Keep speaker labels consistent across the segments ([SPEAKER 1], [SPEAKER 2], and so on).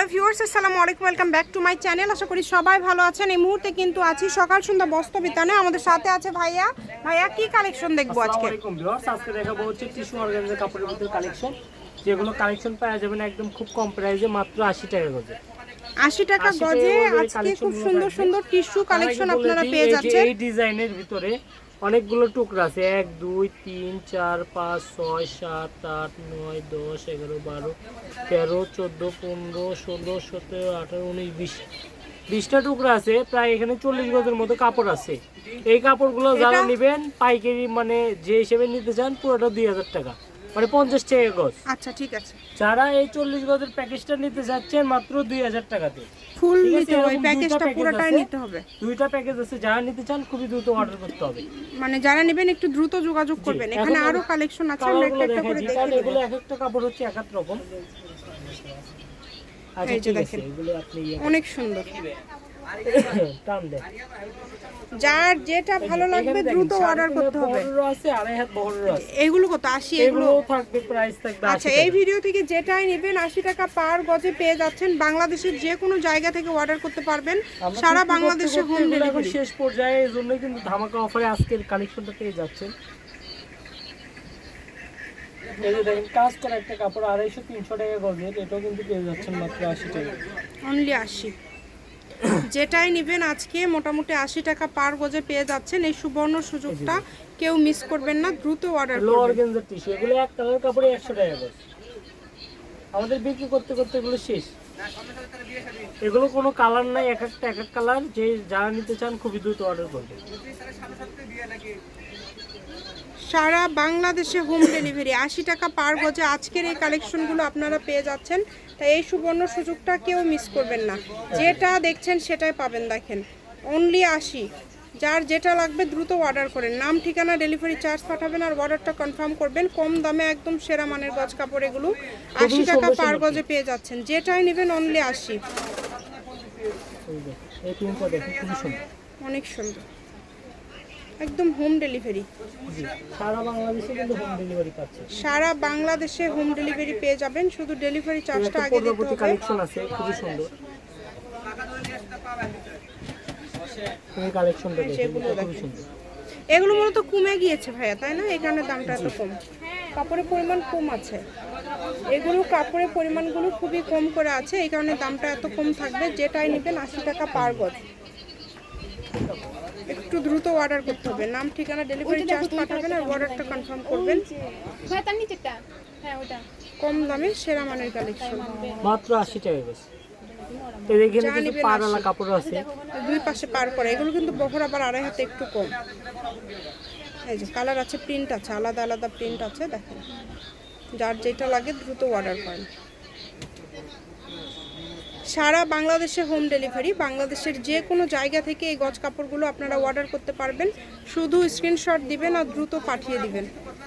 [SPEAKER 1] Viewers আসসালামু আলাইকুম, welcome back to my channel. আশা করি সবাই ভালো আছেন। এই মুহূর্তে কিন্তু আছি সকাল সন্ধ্যা বস্ত্র বিতানে। আমাদের সাথে আছে ভাইয়া। ভাইয়া কি কালেকশন দেখবো আজকে?
[SPEAKER 2] আসসালামু আলাইকুম ভিউয়ার্স, আজকে দেখাবো হচ্ছে টিস্যু অর্গানজার কাপড়ের ভিতরে কালেকশন, যেগুলো কালেকশন পাওয়া যাবে না একদম খুব কম প্রাইসে, মাত্র 80 টাকা গজে।
[SPEAKER 1] 80 টাকা গজে আজকে খুব সুন্দর সুন্দর টিস্যু কালেকশন আপনারা পেয়ে যাচ্ছেন।
[SPEAKER 2] এই ডিজাইনের ভিতরে অনেকগুলো টুকরা আছে, 1 2 3 4 5 6 7 8 9 10 11 12 13 14 15 16 17 18 19 20 20টা টুকরা আছে। প্রায় এখানে 40 গজের মতো কাপড় আছে। এই কাপড়গুলো যারা নেবেন পাইকারি মানে যে হিসেবে নিতে চান পুরোটা 2000 টাকা, মানে 50 টাকা গজ।
[SPEAKER 1] আচ্ছা ঠিক আছে।
[SPEAKER 2] যারা এই 40 গজের প্যাকেজটা নিতে যাচ্ছেন মাত্র 2000 টাকাতে,
[SPEAKER 1] ফুল নিতে হবে, প্যাকেজটা পুরোটাই নিতে হবে।
[SPEAKER 2] দুইটা প্যাকেজ আছে, যারা নিতে চান খুবই দ্রুত অর্ডার করতে হবে।
[SPEAKER 1] মানে যারা নেবেন একটু দ্রুত যোগাযোগ করবেন। এখানে আরো কালেকশন আছে, আমরা একটা একটা করে দেখে নেব।
[SPEAKER 2] এগুলো এক একটা কাপড় হচ্ছে এক এক রকম। আচ্ছা ঠিক আছে, এগুলো আপনি
[SPEAKER 1] অনেক সুন্দর।
[SPEAKER 2] টান দেন,
[SPEAKER 1] যার যেটা ভালো লাগবে দ্রুত অর্ডার করতে হবে।
[SPEAKER 2] বড় আছে আর হাত বড় আছে।
[SPEAKER 1] এগুলো কত? 80?
[SPEAKER 2] এগুলো থাকবে, প্রাইস থাকবে 80
[SPEAKER 1] আচ্ছা, এই ভিডিও থেকে যেটাই নেবেন 80 টাকা পার গজে পেয়ে যাচ্ছেন। বাংলাদেশের যে কোনো জায়গা থেকে অর্ডার করতে পারবেন, সারা বাংলাদেশে হোম ডেলিভারি।
[SPEAKER 2] শেষ পর্যায়ে এজন্য কিন্তু ধামাকা অফারে আজকের কালেকশনটা পেয়ে যাচ্ছেন। এই যে দেখেন কাজ করা একটা কাপড় 250-300 টাকা গজের, এটাও কিন্তু পেয়ে যাচ্ছেন মাত্র 80 টাকা,
[SPEAKER 1] অনলি 80। যেটাই নেবেন আজকে মোটামুটি 80 টাকা পার গজে পেয়ে যাচ্ছেন। এই সুবর্ণ সুযোগটা কেউ মিস করবেন না, দ্রুত অর্ডার করবেন।
[SPEAKER 2] অর্গানজার টিস্যু, এগুলো এক কালার কাপড়ে 100 টাকা গজ। আমাদের বিক্রি করতে করতে এগুলো শেষ। এগুলো কোনো কালার নাই, এক একটা এক এক কালার। যে যারা নিতে চান খুবই দ্রুত অর্ডার করবেন।
[SPEAKER 1] সারা বাংলাদেশে হোম ডেলিভারি 80 টাকা পার গজে আজকের এই কালেকশনগুলো আপনারা পেয়ে যাচ্ছেন। তাই এই সুবর্ণ সুযোগটা কেউ মিস করবেন না। যেটা দেখছেন সেটাই পাবেন। দেখেন অনলি 80। যার যেটা লাগবে দ্রুত অর্ডার করেন। নাম ঠিকানা ডেলিভারি চার্জ পাঠাবেন আর অর্ডারটা কনফার্ম করবেন। কম দামে একদম সেরা মানের গজ কাপড় এগুলো 80 টাকা পার গজে পেয়ে যাচ্ছেন। যেটাই নেবেন অনলি 80।
[SPEAKER 2] এই প্রিন্টটা দেখুন, খুবই সুন্দর,
[SPEAKER 1] অনেক সুন্দর, একদম হোম ডেলিভারি।
[SPEAKER 2] সারা বাংলাদেশে কিন্তু হোম ডেলিভারি পাচ্ছে।
[SPEAKER 1] সারা বাংলাদেশে হোম ডেলিভারি পেয়ে যাবেন, শুধু ডেলিভারি চার্জটা আগে দিতে হবে।
[SPEAKER 2] কালেকশন আছে খুবই সুন্দর। এই কালেকশনটা দেখুন, খুবই সুন্দর।
[SPEAKER 1] এগুলো মূলত কমে গিয়েছে ভাইয়া, তাই না? এই কারণে দামটা এত কম। কাপড়ের পরিমাণ কম আছে, এগুলো কাপড়ের পরিমাণগুলো খুবই কম করে আছে, এই কারণে দামটা এত কম থাকবে। যেটাই নেবেন 80 টাকা পার গজ। একটু দ্রুত অর্ডার করতে হবে। নাম ঠিকানা ডেলিভারি চার্জ পাঠাবেন আর অর্ডারটা কনফার্ম করবেন। কম দামে সেরা মানের কালেকশন
[SPEAKER 2] মাত্র 80 টাকা গজ। এখানে কিন্তু পাড়ালা কাপড় আছে,
[SPEAKER 1] দুই পাশে পার করে। এগুলো কিন্তু বহর আবার আড়াই হাতে একটু কম। এই যে কালার আছে, প্রিন্ট আছে, আলাদা আলাদা প্রিন্ট আছে। দেখেন যার যেটা লাগে দ্রুত অর্ডার করেন। সারা বাংলাদেশে হোম ডেলিভারি। বাংলাদেশের যে কোনো জায়গা থেকে এই গজ কাপড়গুলো আপনারা অর্ডার করতে পারবেন। শুধু স্ক্রিনশট দিবেন আর দ্রুত পাঠিয়ে দিবেন।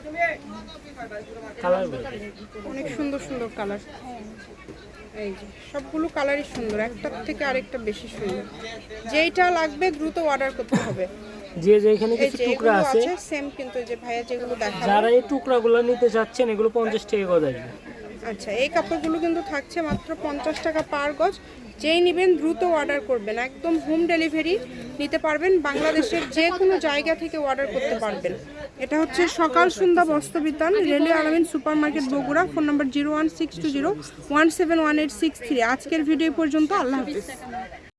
[SPEAKER 1] অনেক সুন্দর সুন্দর কালার। এই যে সবগুলো কালারই সুন্দর, একটার থেকে আরেকটা বেশি সুন্দর। যেইটা লাগবে দ্রুত অর্ডার করতে হবে।
[SPEAKER 2] যে এখানে কিছু টুকরা আছে
[SPEAKER 1] সেম, কিন্তু যে ভাইয়া যেগুলো দেখালো,
[SPEAKER 2] যারা এই টুকরাগুলো নিতে যাচ্ছেন এগুলো 50 টাকা গজ আসবে।
[SPEAKER 1] আচ্ছা, এই কাপড়গুলো কিন্তু থাকছে মাত্র 50 টাকা পার গজ। যেই নেবেন দ্রুত অর্ডার করবেন, একদম হোম ডেলিভারি নিতে পারবেন। বাংলাদেশের যে কোনো জায়গা থেকে অর্ডার করতে পারবেন। এটা হচ্ছে Sakal Sandhya Bastra Bitan, railway Alamin super market Bogura. Phone number 01620171863। আজকের ভিডিও পর্যন্ত। আল্লাহ হাফিজ।